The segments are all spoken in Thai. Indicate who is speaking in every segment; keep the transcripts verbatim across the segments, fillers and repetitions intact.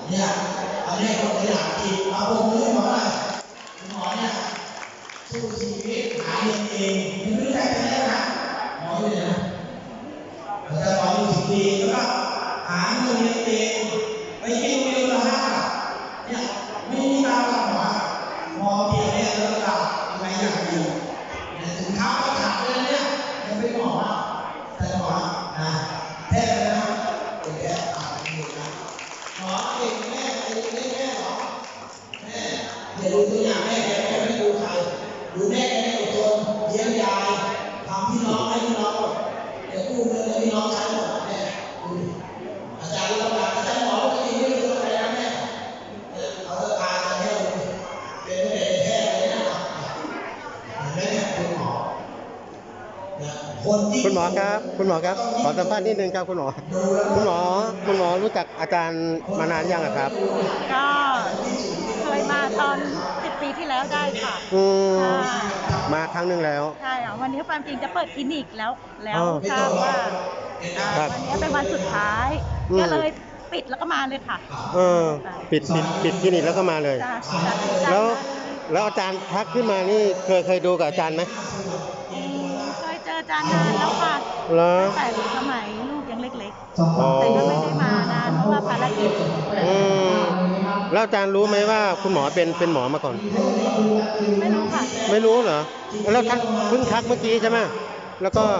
Speaker 1: เนี่ยอันนี้ก็ตัวอย่างที่เอาผมมือหมอหน่อยหมอเนี่ยสู้ชีวิตหาเงินเองไม่รู้ใจกันแล้วนะหมออยู่นะแต่หมออยู่สิบปีแล้วก็หาเงินเองไปกินเงินละห้าบาทเนี่ยไม่มีตังค์หมอหมอเพียงเนี่ยแล้วก็ยังไงอย่างดีถึงเท้าก็ขาดเลยเนี่ยยังไม่หมอแต่หมอนะแท้เลยนะเป็นแค่อ่านอยู่นะหมอเก่งแม่ไอ้แม่แม่หรอแม่อย่าดูตัวอย่างแม่แกแม่ไม่ดูใครดูแม่แกไม่อดทนเลี้ยงยายทำพี่น้องให้พี่น้องหมดเดี๋ยวกู้เงินให้พี่น้องใช้หมดแม่ดูอาจารย์รู้ว่าอาจารย์หมอปกติไม่รู้อะไรนะแม่เอาตาจะให้เป็นแม่แท้เลยนะแม่คุณหมอ
Speaker 2: คุณหมอครับคุณหมอครับขอสัมภาษณ์นิดนึงครับคุณหมอคุณหมอคุณหมอรู้จักอาจารย์มานานยังครับ
Speaker 3: ก็เคยมาตอนสิบปีที่แล้วได้ค่ะ
Speaker 2: อืมมาครั้งหนึ่งแล้ว
Speaker 3: ใช่ค่ะวันนี้ความจริงจะเปิดคลินิกแล้วแล้วทราบว่าวันนี้เป็นวันสุดท้ายก็เลยปิดแล้วก็มาเลยค่ะ
Speaker 2: เออปิดปิดปิดคลินิกแล้วก็มาเลยแล้วแล้วอาจารย์ทักขึ้นมานี่เคยเคยดูกับอาจารย์ไหม
Speaker 3: เคยเจออาจารย์นานแล้วค่ะแต่สมัยลูกยังเล็กๆแต่ก็ไม่ได้มานานเพราะว่าภารกิจ
Speaker 2: อืมแล้วอาจารย์รู้ไหมว่าคุณหมอเป็นเป็นหมอมาก่อน
Speaker 3: ไม่รู้ค่ะ
Speaker 2: ไม่รู้เหรอแล้วทักเพิ่งทักเมื่อกี้ใช่ไหมแล้วก็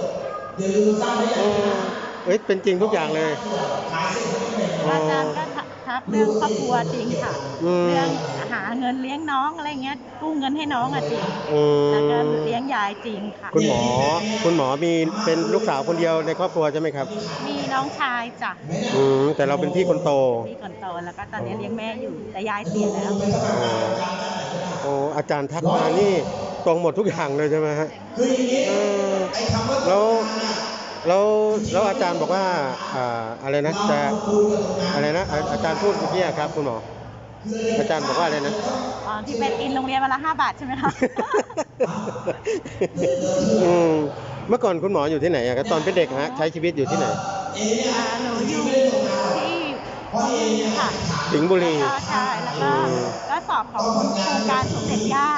Speaker 2: เอ้ยเป็นจริงทุกอย่างเลย
Speaker 3: อาจารย์ก็ทักเรื่องครอบครัวจริงค่ะเรื่องหาเงินเลี้ยงน้องอะไรเงี้ยกู้เงินให้น้องอะจริงแล้วก็เลี้ยงยายจริงค่ะ
Speaker 2: คุณหมอคุณหมอมีเป็นลูกสาวคนเดียวในครอบครัวใช่ไหมครับ
Speaker 3: มีน้องชายจ้ะ
Speaker 2: อืมแต่เราเป็นพี่คนโต
Speaker 3: พี่คนโตแล้วก็ตอนนี้เลี้ยงแม่อยู่แต่ยายเสียแล้ว
Speaker 2: โอ้อาจารย์ทักมานี่ตรงหมดทุกอย่างเลยใช่ไหมฮะแล้วแล้วแล้วอาจารย์บอกว่าอ่าอะไรนะจะอะไรนะอาจารย์พูดเมื่อกี้ครับคุณหมออาจารย์บอกว่าอะไรนะ
Speaker 3: อ๋อที่เป็นอินโรงเรียนวันละห้าบาทใช่ไหมคะ
Speaker 2: อืมเมื่อก่อนคุณหมออยู่ที่ไหนอะครับตอนเป็นเด็กฮะใช้ชีวิตอยู่ที่ไหน
Speaker 3: หนูอยู่ที่ค่ะ
Speaker 2: สิงห์บุรี
Speaker 3: ใช่แล้วก็ก็สอบของโครงการสมเด็จย่า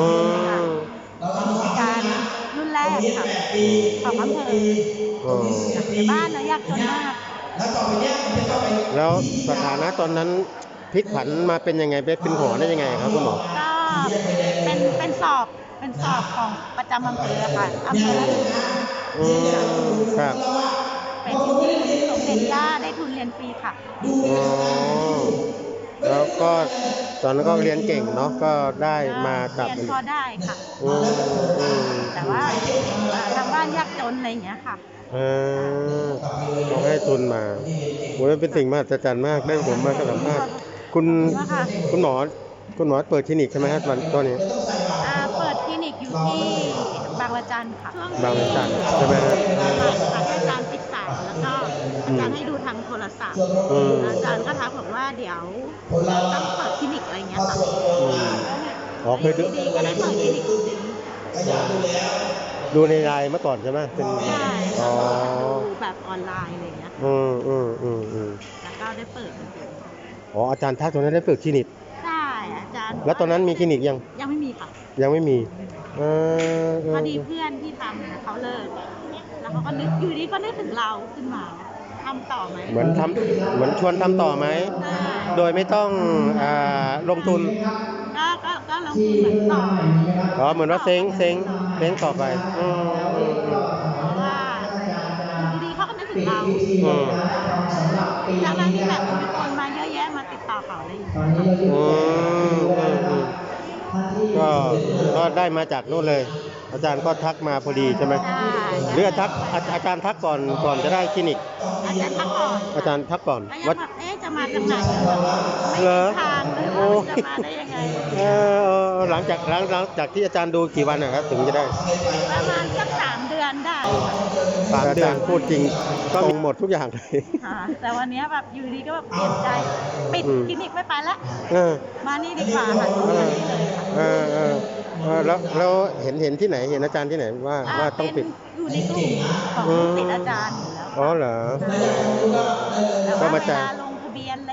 Speaker 3: การรุ่นแรกค่ะของอำเภอในบ้านนะยากจนมาก
Speaker 2: แล้วสถานะตอนนั้นพลิกผันมาเป็นยังไงเป็นหมอได้ยังไงครับคุณหมอ
Speaker 3: ก็เป็นเป็นสอบเป็นสอบของประจำอำเภอค่ะอำเภอละ
Speaker 2: อืมครับ
Speaker 3: เป็นสมเด็จย่าได้ทุนเรียนฟรีค่ะ
Speaker 2: อ๋อแล้วก็ตอนนั้นก็เรียนเก่งเนาะก็ได้มากับ
Speaker 3: เรียนพอได้ค่ะแต่ว่าทางบ้านยากจนอะไรอย่างเงี้ยค่ะ
Speaker 2: เออเขาให้ทุนมาโอ้ยเป็นสิ่งมหัศจรรย์มากได้ผมมาสัมภาษณ์คุณคุณหมอคุณหมอเปิดคลินิกใช่ไหมครับวันตอนนี้
Speaker 3: เปิดคลินิกอยู่ที่บางระจันค่ะ
Speaker 2: บางระจันใช่ไหมครับ
Speaker 3: อาจารย์ติดสายแล้วก็อาจารย์ให้ดูทางโทรศัพท์อาจารย์ก็ทักบอกว่าเดี๋ยวต้องเปิดคลินิกอะไรเงี้ยค่ะ
Speaker 2: อ๋อเคยดู
Speaker 3: ก็ได้เปิดคลินิกจริง
Speaker 2: ดูในไลน์เมื่อก่อนใช่ไหมเป็น
Speaker 3: อ๋อดูแบบออนไลน์อะไรเงี้ย
Speaker 2: อืมอืมอืมอืม
Speaker 3: แล้วก็ได้เปิด
Speaker 2: อ๋ออาจารย์ทักตอนนั้นได้เปิดคลินิก
Speaker 3: ใช่อาจารย์
Speaker 2: แล้วตอนนั้นมีคลินิกยัง
Speaker 3: ยังไม่มีค่ะ
Speaker 2: ยังไม่มีเอ
Speaker 3: อพอดีเพื่อนที่ทำเขาเลิกแล้วเขาก็นึกอยู่ดีก็นึกถึงเราขึ้นมาทำต่อไหม
Speaker 2: เหมือนทำเหมือนชวนทำต่อไหมโดยไม่ต้องอ่าลงทุน
Speaker 3: ก็ก็ก็ลงทุนเหมือนต่อ
Speaker 2: อ๋อเหมือนว่าเซ้งเซ้งเซ้งต่อไปอืมอืมอืม
Speaker 3: เพราะว่าอยู่ดีเขาก็นึกถึงเราอืมจากนั้นที่แบบมีคนมาเยอะแยะมาติดต่อเขาอะไรอย่างเงี้ย
Speaker 2: อืมอืมอืมก็ก็ได้มาจากนู่นเลยอาจารย์ก็ทักมาพอดีใช่ไหมหรืออาจารย์อาจารย์ทักก่อนก่อนจะได้คลินิก
Speaker 3: อาจารย์ทักก่อน
Speaker 2: อาจารย์ทักก่อน
Speaker 3: ว่าเอ๊ะจะมาจากไหนไม่มีทางเลยว่าจะมาได้ยังไงเอ
Speaker 2: อหลังจากหลังหลังจากที่อาจารย์ดูกี่วันนะครับถึงจะได้
Speaker 3: ประมาณสักสามเดือนได้
Speaker 2: สามเดือนพูดจริงก็ตรงหมดทุกอย่างเลย
Speaker 3: แต่วันนี้แบบอยู่ดีก็แบบเปลี่ยนใจปิดคลินิกไม่ไปแล้วมานี่ดีกว่าค่ะ
Speaker 2: เออเออแล้วแล้วเห็นเห็นที่ไหนเห็นอาจารย์ที่ไหนว่าว่าต้องปิด
Speaker 3: อยู่ในกลุ่มของลูกศิษย์อาจารย์อยู่แล้ว
Speaker 2: อ๋อเหรอ
Speaker 3: แต่ว่าเวลาลงทะเบียนอะไรอย่างเงี้ยไม่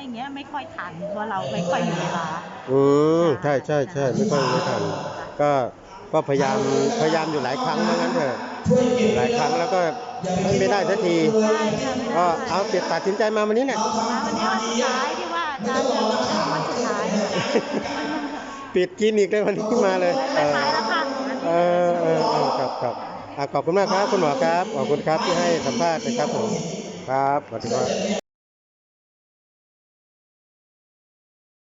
Speaker 3: ค่อยทันเพราะเราไม่ค่อยมีเวลา
Speaker 2: อืมใช่ใช่ใช่ไม่ค่อยไม่ทันก็ก็พยายามพยายามอยู่หลายครั้งเหมือนกันเถอะหลายครั้งแล้วก็ไม่ไม่ได้สักที
Speaker 3: ใช่ค่ะไม่
Speaker 2: ก็
Speaker 3: ได้
Speaker 2: เอาเปลี่ยนตัดสินใจมาวันนี้เนี่ย
Speaker 3: มาวันนี้วันสุดท้ายที่ว่าอาจารย์จะวันสุดท้าย
Speaker 2: ปิดคลินิกเลยวันนี้มาเลย
Speaker 3: ไม่ไปแล้วค่ะ
Speaker 2: เออเออเออครับครับอ่ะขอบคุณมากครับคุณหมอครับขอบคุณครับที่ให้สัมภาษณ์นะครับผมครับสวัสดีครับ